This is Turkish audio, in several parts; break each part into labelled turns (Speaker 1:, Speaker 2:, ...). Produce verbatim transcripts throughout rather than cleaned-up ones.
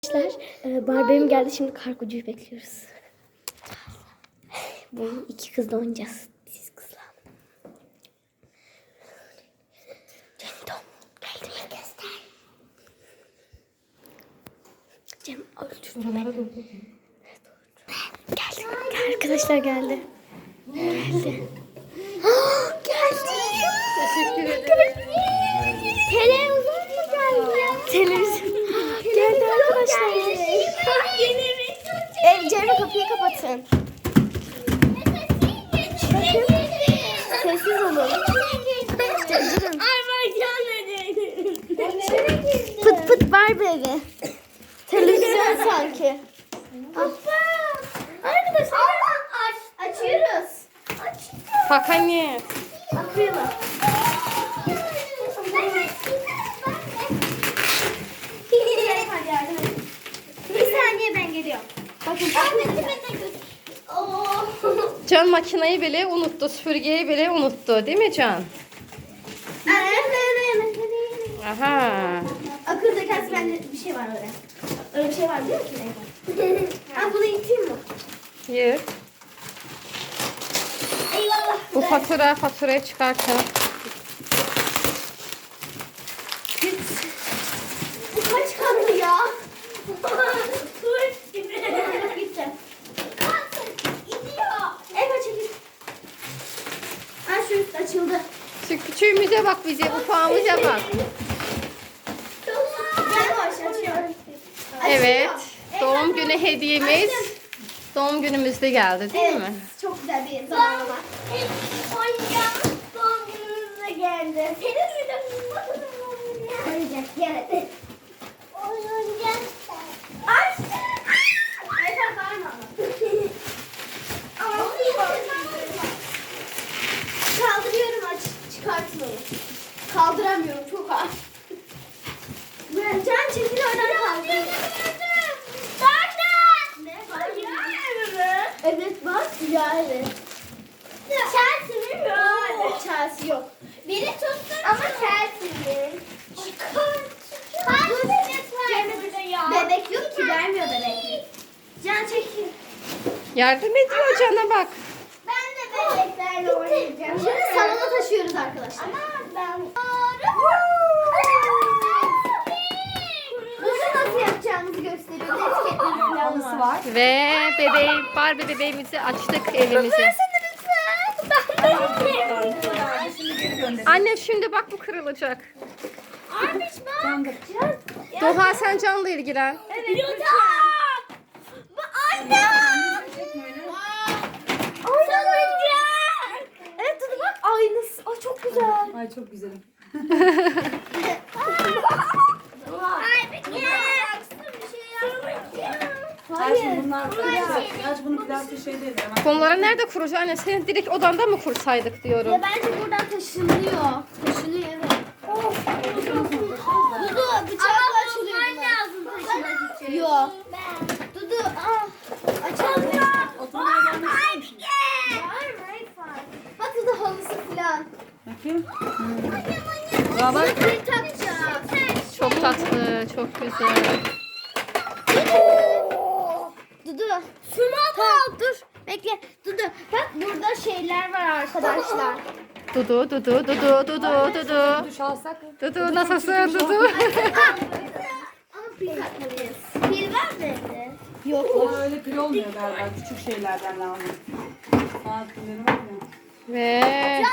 Speaker 1: Arkadaşlar Barbie'm geldi, şimdi kargocuyu bekliyoruz. Bu iki kızla oynayacağız. Siz kızla. Cem geldi mi? Göster. Cem öldürdü beni. Geldi. Arkadaşlar geldi. Geldi. Geldi.
Speaker 2: Teşekkür ederim.
Speaker 1: Televizyon mu geldi? Televizyon. Geldi arkadaşlar. Ev Cem'e kapıyı kapatın. Sessiz olun. Durun. Pıt pıt Barbie evi. Televizyon sanki. Arkadaşlar aç, açıyoruz.
Speaker 2: Bak anne.
Speaker 1: Bakıyor mu? Bir saniye, ben geliyorum. Bakın.
Speaker 2: Can makineyi bile unuttu, süpürgeyi bile unuttu, değil mi Can? Aha.
Speaker 1: Akıl zekası, bende bir şey var öyle. Öyle bir şey var biliyor musun? Ben bunu iteyim mi?
Speaker 2: Yırt.
Speaker 1: Eyvallah.
Speaker 2: Bu fatura, faturayı çıkartın.
Speaker 1: Bu kaç katlı ya? Tuvalet gibi. Gitti. Gidiyor. Evet, çekil. Ha, şu üst açıldı.
Speaker 2: Şu küçüğümüze bak bize, ufağımıza bak.
Speaker 1: Gel boş, açıyorum.
Speaker 2: Evet,
Speaker 1: Açılıyor.
Speaker 2: doğum günü hediyemiz doğum günümüzde geldi, değil
Speaker 1: Evet,
Speaker 2: mi?
Speaker 1: çok güzel bir zamanlama. Oyuncağımız doğum günümüzde geldi. Senin bir de oyuncak geldi. Oyuncak. Aç. Ayfer bağırma. Kaldırıyorum, aç. Çıkartmayın. Kaldıramıyorum, çok ağır. Can çekil, oradan kaldır. Ne? Evet bak, yani. Chelsea mi? Hayır, Chelsea yok. Biri tutsun ama Chelsea'nin. Kaç bebek var? Bebek yok ki, vermiyor bebek. Can çekil.
Speaker 2: Yardım ediyor Can'a bak.
Speaker 1: Ben de bebeklerle oynayacağım. Şimdi salona taşıyoruz arkadaşlar. Ama ben... Bunu nasıl yapacağımızı gösteriyor. Etiketleri falan var.
Speaker 2: Ve bebeği, Barbie bebeğimizi açtık evimize.
Speaker 1: Versene lütfen. Ben
Speaker 2: Anne şimdi bak bu kırılacak.
Speaker 1: Armiş bak.
Speaker 2: Doğa sen Can'la ilgilen.
Speaker 1: Evet. Yutak. Anne. Oyuncak. Evet Dudu bak, aynısı. Ay çok güzel.
Speaker 3: Ay çok güzelim.
Speaker 1: Ay bir kere.
Speaker 3: Aç bunlar aç bunu plastik şey değil. Hemen.
Speaker 2: Bunları nerede kuracağız anne? Senin direkt odanda mı kursaydık diyorum.
Speaker 1: Ya bence buradan taşınıyor. Taşınıyor, evet. Dudu bıçakla açılıyor bunlar. Lazım taşımak için. Yok. Dudu ah. Açalım.
Speaker 3: Oturmaya gelmek ister misin?
Speaker 1: Bak Dudu, halısı falan.
Speaker 3: Bakayım. Ya bak.
Speaker 1: Bir takacağım.
Speaker 2: Çok tatlı, çok güzel.
Speaker 1: Dudu. Şunu al. Dur. Bekle. Dudu. Bak burada şeyler var arkadaşlar.
Speaker 2: Dudu, dudu, dudu, dudu, dudu.
Speaker 3: Duş alsak.
Speaker 2: Dudu nasılsın Dudu?
Speaker 1: Ama pil takmalıyız. Pil var mı evde? Yok.
Speaker 3: O öyle pil olmuyor galiba. Küçük şeylerden lazım. Saat pilleri var ya.
Speaker 2: Ve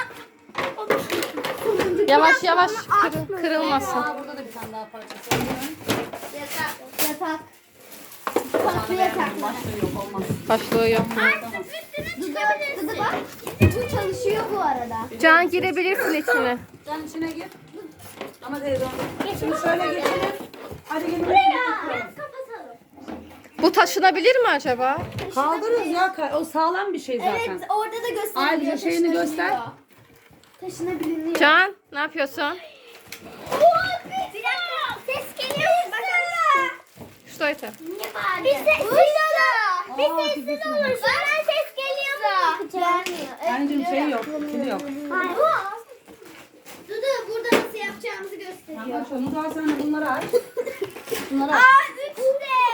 Speaker 2: yavaş yavaş kır- kırılmasın.
Speaker 3: Aa, burada da bir tane daha parçası var.
Speaker 1: Yatak. Yatak. Tatlı yatak.
Speaker 3: Başlığı yok olmaz.
Speaker 2: Başlığı yok.
Speaker 1: Dudu, Dudu bak. Bu çalışıyor bu arada.
Speaker 2: Can girebilirsin içine.
Speaker 3: Sen içine gir. Ama televizyon. Şimdi şöyle geçelim. Hadi gelin.
Speaker 1: Kapatalım.
Speaker 2: Bu taşınabilir mi acaba?
Speaker 3: Kaldırırız ya. O sağlam bir şey zaten.
Speaker 1: Evet, orada da gösteriyor.
Speaker 3: Ayrıca şeyini göster.
Speaker 1: Taşınabiliyor.
Speaker 2: Can ne yapıyorsun?
Speaker 1: Bir dakika. Ses geliyor. Bakalım.
Speaker 2: Şu tarafa.
Speaker 1: Bir ses duyuyorlar. Bir sessiz olursa bana ses geliyor mu? Gelmiyor.
Speaker 3: Anneciğim şey yok. Pili yok.
Speaker 1: Hayır. Dudu, burada nasıl yapacağımızı gösteriyor.
Speaker 3: Tamam, onu da sen de bunları aç. Bunları aç.
Speaker 1: Aa, üçte.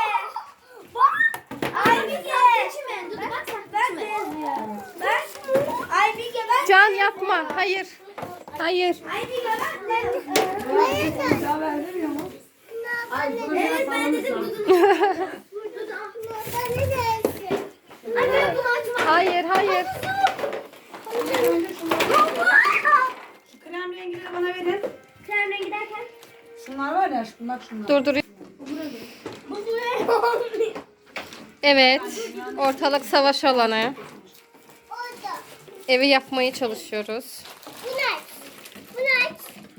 Speaker 2: yapma. Hayır. Hayır.
Speaker 1: Haydi göbek.
Speaker 3: Ya vermiyor mu?
Speaker 1: Evet ben dedim Dudu. Ay ben bunu açmam.
Speaker 2: Hayır, hayır.
Speaker 3: Şu krem rengileri bana verin.
Speaker 1: Krem rengi derken?
Speaker 3: Şunlar var ya aşkım bak şunlar.
Speaker 2: Dur dur.
Speaker 1: Bu buraya olmuyor.
Speaker 2: Evet. Ortalık savaş alanı.
Speaker 1: Orada.
Speaker 2: Evi yapmaya çalışıyoruz.
Speaker 1: Bu ne? Bu ne?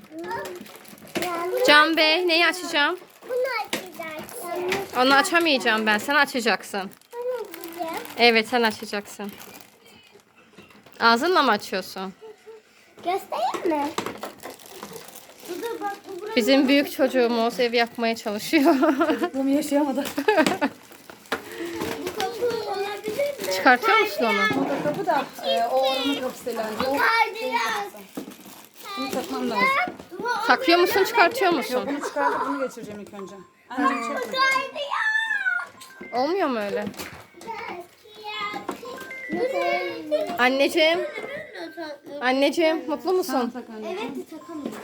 Speaker 2: Can Bey neyi açacağım?
Speaker 1: Bunu açacaksın.
Speaker 2: Onu açamayacağım ben. Sen açacaksın.
Speaker 1: Bunu açacağım.
Speaker 2: Evet sen açacaksın. Ağzınla mı açıyorsun?
Speaker 1: Göstereyim mi? Dudu bak bu buraya.
Speaker 2: Bizim büyük çocuğumuz ev yapmaya çalışıyor.
Speaker 3: Çocukluğumu yaşayamadı.
Speaker 1: Bu kapı olabilir mi?
Speaker 2: Çıkartıyor musun onu?
Speaker 3: O da kapı da e, o oranın kapısı herhalde. O
Speaker 1: Kaydırak.
Speaker 3: bunu takmam lazım.
Speaker 2: Takıyor musun, çıkartıyor
Speaker 3: Yok
Speaker 2: musun?
Speaker 3: bunu çıkartıp bunu geçireceğim ilk önce. Anneciğim çek.
Speaker 1: Kaydırak.
Speaker 2: Olmuyor mu öyle? Anneciğim, anneciğim mutlu musun?
Speaker 3: Tak anneciğim.
Speaker 1: Evet takamıyorum.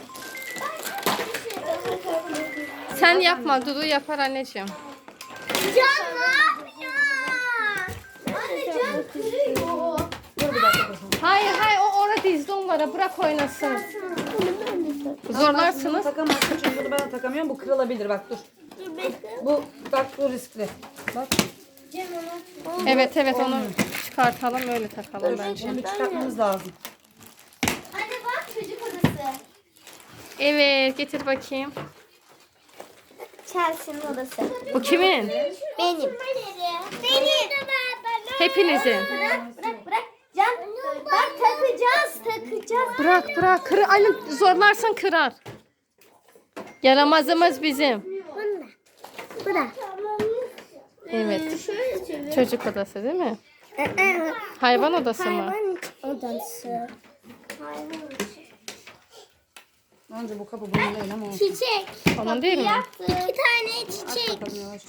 Speaker 2: Sen yapma, Dudu yapar anneciğim.
Speaker 1: Can ne yapıyor? Anne can kırıyor.
Speaker 3: Dur bir dakika kızım.
Speaker 2: Hayır hayır o orada dizdi onlara bırak oynasın. Zorlarsınız.
Speaker 3: Takamazsın çünkü bunu ben de takamıyorum. Bu kırılabilir bak dur.
Speaker 1: Dur bekle.
Speaker 3: Bu bak bu riskli. Bak.
Speaker 1: Can onu.
Speaker 2: Evet evet onu çıkartalım öyle takalım
Speaker 3: Dur.
Speaker 2: bence.
Speaker 3: Bunu bir çıkartmamız lazım.
Speaker 1: Anne bak çocuk odası.
Speaker 2: Evet getir bakayım.
Speaker 1: Chelsea'nin odası.
Speaker 2: Bu kimin?
Speaker 1: Benim. Benim.
Speaker 2: Hepinizin.
Speaker 1: Bırak bırak bırak. Can bak takacağız takacağız.
Speaker 2: Bırak bırak kır Ali zorlarsan kırar. Yaramazımız bizim.
Speaker 1: Bunda. Bırak.
Speaker 2: Evet.
Speaker 1: Şöyle çevir.
Speaker 2: Çocuk odası değil mi? Hayvan odası mı?
Speaker 1: Hayvan odası. Hayvan
Speaker 3: Önce bu kapı bunun değil ama olsun.
Speaker 1: Çiçek.
Speaker 2: Onun değil mi?
Speaker 1: İki tane çiçek.
Speaker 3: Bakalım yavaş.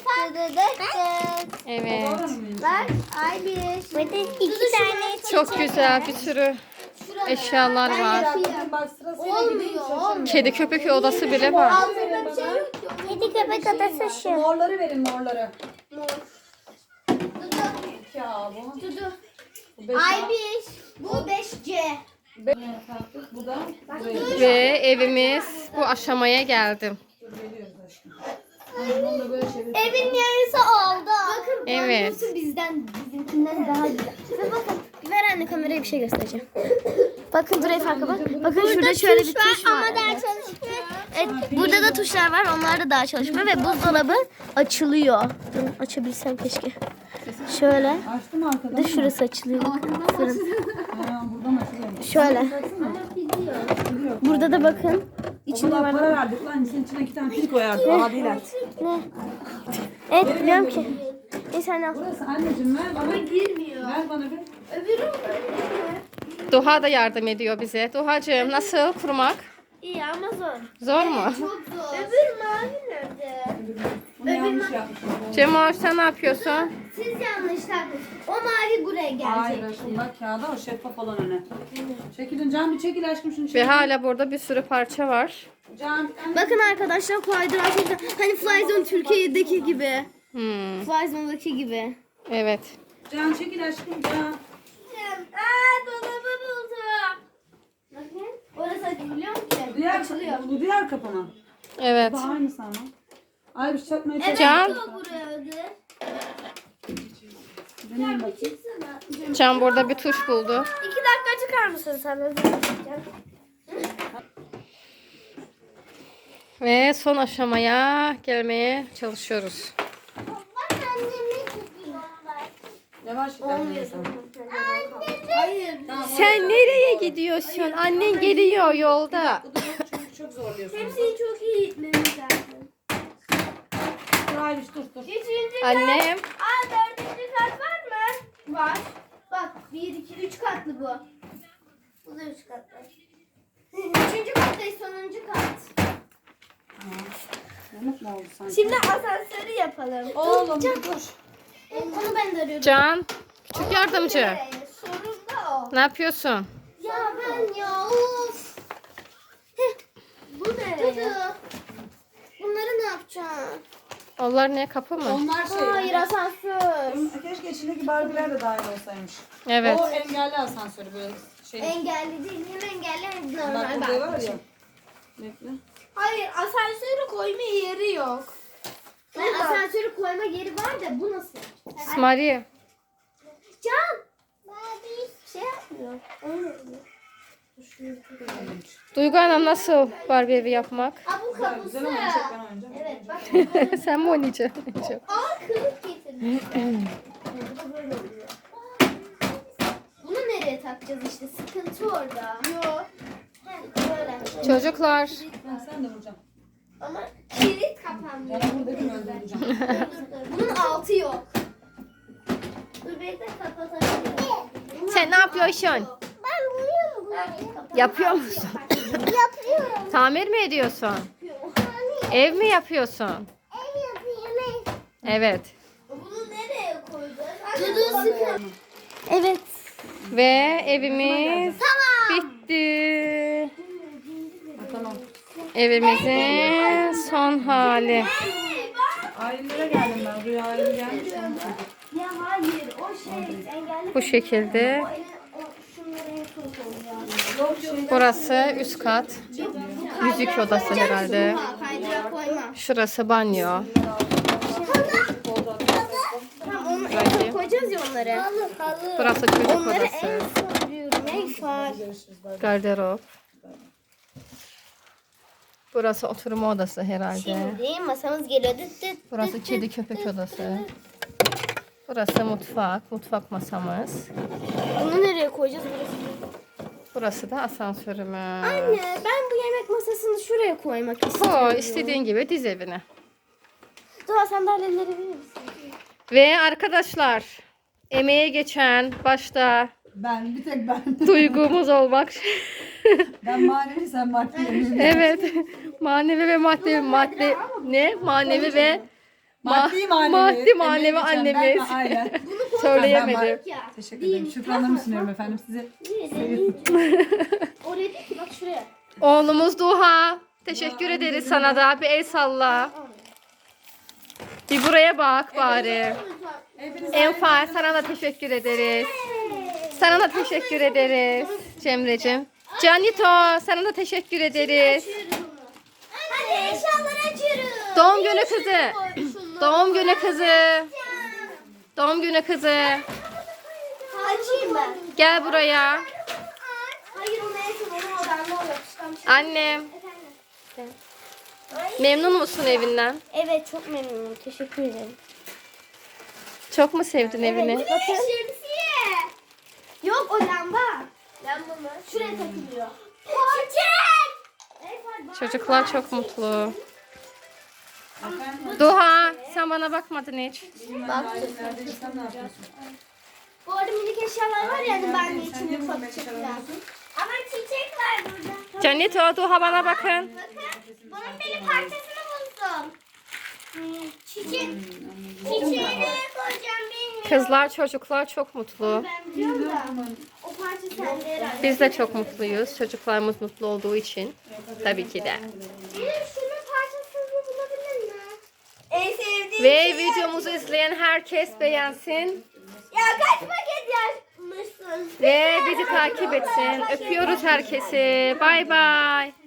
Speaker 2: Evet.
Speaker 1: Bak ay bir. Burada iki tane çiçek.
Speaker 2: Çok güzel bir sürü eşyalar var.
Speaker 3: Bak sırasıyla gideyim.
Speaker 1: Olmuyor.
Speaker 2: Kedi köpek odası bile var.
Speaker 1: Altında bir şey yok. Kedi köpek odası şu.
Speaker 3: Morları verin morları.
Speaker 1: Dudu.
Speaker 3: Ya bu.
Speaker 1: Dudu.
Speaker 3: Bu beş
Speaker 1: Ay
Speaker 3: A.
Speaker 1: bir. Bu beş C.
Speaker 3: Beş taktık. Bu da buraya.
Speaker 2: Ve evimiz bu aşamaya geldi.
Speaker 3: Dur geliyoruz aşkım. Ay, bunu da böyle çevir.
Speaker 1: Evin yarısı oldu. Bakın
Speaker 2: Evet.
Speaker 1: banyosu bizden bizimkinden daha güzel. Ve bakın ver anne kameraya bir şey göstereceğim. Bakın buraya farka bak. Bakın şurada şöyle bir tuş var. Ama daha çalışmıyor. Evet, burada da tuşlar var. Onlar da daha çalışmıyor ve buzdolabı açılıyor. Dur, açabilsem keşke. Şöyle.
Speaker 3: Açtım arkadan.
Speaker 1: Bir de şurası açılıyor. Bakın. Fırın.
Speaker 3: Ha, buradan açılıyor.
Speaker 1: Şöyle. Burada da bakın.
Speaker 3: İçinde
Speaker 1: İçinde var.
Speaker 3: para verdik lan. Senin içine iki tane pil koyardık. Daha değil artık.
Speaker 1: Ne? Evet biliyorum ki. Neyse anne al.
Speaker 3: Burası anneciğim ver bana.
Speaker 1: Girmiyor.
Speaker 3: Ver bana bir.
Speaker 1: Öbürü
Speaker 2: Doğa da yardım ediyor bize. Dohacığım nasıl kurmak?
Speaker 1: iyi ama zor.
Speaker 2: Zor mu?
Speaker 1: Çok zor. Öbür mavi nerede?
Speaker 3: Bunu yanlış yapmışım.
Speaker 2: Cemal sen ne yapıyorsun?
Speaker 1: Siz yanlış takmışsınız. O mavi buraya
Speaker 3: Hayır
Speaker 1: gelecek.
Speaker 3: aşkım bak kağıda o şeffaf olan öne. Çekilin Can bir çekil aşkım şunu
Speaker 2: Ve
Speaker 3: çekil.
Speaker 2: hala burada bir sürü parça var.
Speaker 3: Can.
Speaker 1: Bakın arkadaşlar kaydırak hani Flyzone Türkiye'deki gibi.
Speaker 2: Hmm,
Speaker 1: Flyzone'daki gibi.
Speaker 2: evet.
Speaker 3: Can çekil aşkım Can.
Speaker 1: Aa dolabı buldum. Bakın. Orası açılıyor ki.
Speaker 3: Diğer,
Speaker 1: Açılıyor.
Speaker 3: bu diğer kapı mı?
Speaker 2: Evet.
Speaker 3: Bu da aynısı ama. Ay bir şey çakmaya
Speaker 1: Evet
Speaker 3: çalış.
Speaker 2: Can.
Speaker 1: o buraya ödü.
Speaker 3: Deneyim bakayım.
Speaker 1: Çıksana.
Speaker 2: Can burada bir tuş buldu.
Speaker 1: İki dakika çıkar mısın sen? Özür dileyeceğim.
Speaker 2: Ve son aşamaya gelmeye çalışıyoruz.
Speaker 1: Bak anneme gidiyorlar.
Speaker 3: Yavaş git annene sen.
Speaker 1: Hayır.
Speaker 2: Sen nereye gidiyorsun? Annen geliyor yolda.
Speaker 3: Bu da yok çünkü çok zorluyorsun.
Speaker 1: Hepsini çok iyi gitmemiz lazım.
Speaker 3: Hayır dur dur.
Speaker 1: Üçüncü kat.
Speaker 2: Annem.
Speaker 1: Aa dördüncü kat var mı? Var. Bak bir, iki, üç katlı bu. Bu da üç katlı. Üçüncü kattayız sonuncu kat.
Speaker 3: Yamuk mu oldu sanki?
Speaker 1: Şimdi asansörü yapalım.
Speaker 3: Oğlum bir dur.
Speaker 1: Onu ben de arıyorum.
Speaker 2: Can. Küçük yardımcı.
Speaker 1: Ee, Sorun da o.
Speaker 2: Ne yapıyorsun?
Speaker 1: Ya Ya ben ya of. Heh. Bu ne? Dudu. Bunları ne yapacağım?
Speaker 2: Onlar ne, kapı mı?
Speaker 3: Onlar şey.
Speaker 1: Hayır asansör.
Speaker 3: Keşke içindeki Barbie'ler de dahil olsaymış.
Speaker 2: Evet.
Speaker 3: O engelli asansörü böyle şey.
Speaker 1: Engelli değil. Hem engelli hem
Speaker 3: Bak
Speaker 1: normal
Speaker 3: burada var
Speaker 1: bak.
Speaker 3: ya. Bekle.
Speaker 1: Hayır asansörü koyma yeri yok. Ben asansörü koyma yeri var da bu nasıl?
Speaker 2: Maria.
Speaker 1: Can. Bir şey yapmıyor.
Speaker 2: Duygu Hanım, nasıl Barbie evi yapmak?
Speaker 1: Aa bu
Speaker 3: Güzel,
Speaker 1: kapısı.
Speaker 3: güzel ama en çok ben oynayacağım.
Speaker 1: Evet bak.
Speaker 2: Sen mi oynayacaksın?
Speaker 1: Aa kılıf getirmiş. Bu da böyle oluyor. Bunu nereye takacağız işte? Sıkıntı orada. Yok. Böyle.
Speaker 2: Çocuklar.
Speaker 3: Ha, sen de vuracaksın.
Speaker 1: Ama kilit kapanmıyor.
Speaker 3: Bana buradakini öldüreceğim.
Speaker 1: Dur, dur, dur. Bunun altı yok. Dur bekle kapatabilirim.
Speaker 2: Sen ne yapıyorsun?
Speaker 1: Ben vuruyorum bunu.
Speaker 2: Yapıyor musun?
Speaker 1: Yapıyorum.
Speaker 2: Tamir mi ediyorsun? Ev mi yapıyorsun?
Speaker 1: Ev yapıyorum.
Speaker 2: Evet.
Speaker 1: Bunu nereye koyacağız? Dudu sıkın. Evet.
Speaker 2: Ve evimiz
Speaker 1: Tamam.
Speaker 2: bitti.
Speaker 3: Ha, tamam.
Speaker 2: Evimizin son hali.
Speaker 3: Ailelere geldim ben. Rüya aile gelmiş.
Speaker 1: Ya hayır o şey engelli.
Speaker 2: Bu şekilde.
Speaker 1: O ele- o- şunları en son koyacağız.
Speaker 2: Burası üst kat.
Speaker 1: Yok, bu
Speaker 2: Müzik
Speaker 1: kaydırak
Speaker 2: odası
Speaker 1: koyacağız.
Speaker 2: herhalde.
Speaker 1: Ha, kaydırak koyma.
Speaker 2: Şurası banyo.
Speaker 1: Tamam onu en son koyacağız ya onları. Halı halı.
Speaker 2: Burası çocuk
Speaker 1: Onları en
Speaker 2: odası.
Speaker 1: son diyorum. Neyse.
Speaker 2: Gardırop. Burası oturma odası herhalde.
Speaker 1: Şimdi masamız geliyor. Dıt dıt
Speaker 2: Burası
Speaker 1: dıt
Speaker 2: kedi
Speaker 1: dıt
Speaker 2: köpek
Speaker 1: dıt
Speaker 2: odası.
Speaker 1: dıt.
Speaker 2: Burası mutfak. Mutfak masamız.
Speaker 1: Bunu nereye koyacağız? Burası.
Speaker 2: Burası da asansörümüz.
Speaker 1: Anne ben bu yemek masasını şuraya koymak istiyorum.
Speaker 2: Koy istediğin gibi diz evine.
Speaker 1: Doğa sandalyeleri verir misin?
Speaker 2: Ve arkadaşlar, emeğe geçen başta
Speaker 3: Ben, bir tek ben.
Speaker 2: duygumuz olmak.
Speaker 3: Ben manevi, sen maddi.
Speaker 2: Evet. Manevi ve maddi madde ne? Manevi ve
Speaker 3: Maddi manevi.
Speaker 2: maddi manevi
Speaker 3: Emeği geçen ben
Speaker 2: annemiz.
Speaker 3: ve aile.
Speaker 2: Söyleyemedim.
Speaker 1: Ya.
Speaker 3: Teşekkür ederim. Şükranlarımı sunuyorum efendim size.
Speaker 1: Oraya değil ki bak şuraya.
Speaker 2: Oğlumuz Duha. Teşekkür ederiz sana da. Bir el salla. Bir buraya bak bari. Enfal, sana da teşekkür ederiz. Sana da teşekkür ederiz Cemre'cim. Canito, sana da teşekkür ederiz.
Speaker 1: Hadi eşyaları açıyoruz.
Speaker 2: Doğum günü kızı. Doğum günü kızı. Doğum günü kızı.
Speaker 1: Açayım ben.
Speaker 2: Gel buraya.
Speaker 1: Hayır onu en son onu odamda o yapışkan şey.
Speaker 2: Annem.
Speaker 1: Efendim?
Speaker 2: Memnun musun evinden?
Speaker 1: Evet çok memnunum. Teşekkür ederim.
Speaker 2: Çok mu sevdin evini?
Speaker 1: Bakın. Şemsiye. Yok o lamba. Lamba mı? Şuraya takılıyor. Çiçek.
Speaker 2: Çocuklar çok mutlu. Duha, sen bana bakmadın hiç.
Speaker 1: Baktım.
Speaker 3: Neredeyse sen ne yapıyorsun?
Speaker 1: Bu arada minik eşyalar var ya hani ben de
Speaker 3: Sen
Speaker 1: için
Speaker 3: niye
Speaker 1: mutfak
Speaker 3: bunu
Speaker 1: için
Speaker 3: beş
Speaker 1: falan. Ama çiçek var burada.
Speaker 2: Canito, Duha bana bakın.
Speaker 1: Bakın. Bunun bir parçasını buldum. Çiçek. Çiçeği nereye koyacağım bilmiyorum.
Speaker 2: Kızlar, çocuklar çok mutlu.
Speaker 1: Ben biliyorum da. O parça sende herhalde.
Speaker 2: Biz de çok mutluyuz. Çocuklarımız mutlu olduğu için. Tabii ki de.
Speaker 1: Benim şunun parçasını bulabilir mi? En sevdiğim
Speaker 2: Ve
Speaker 1: şey
Speaker 2: videomuzu izleyen herkes beğensin.
Speaker 1: Ya kaç paket yapmışsın?
Speaker 2: Ve bizi takip etsin. Öpüyoruz herkesi. Bay bay.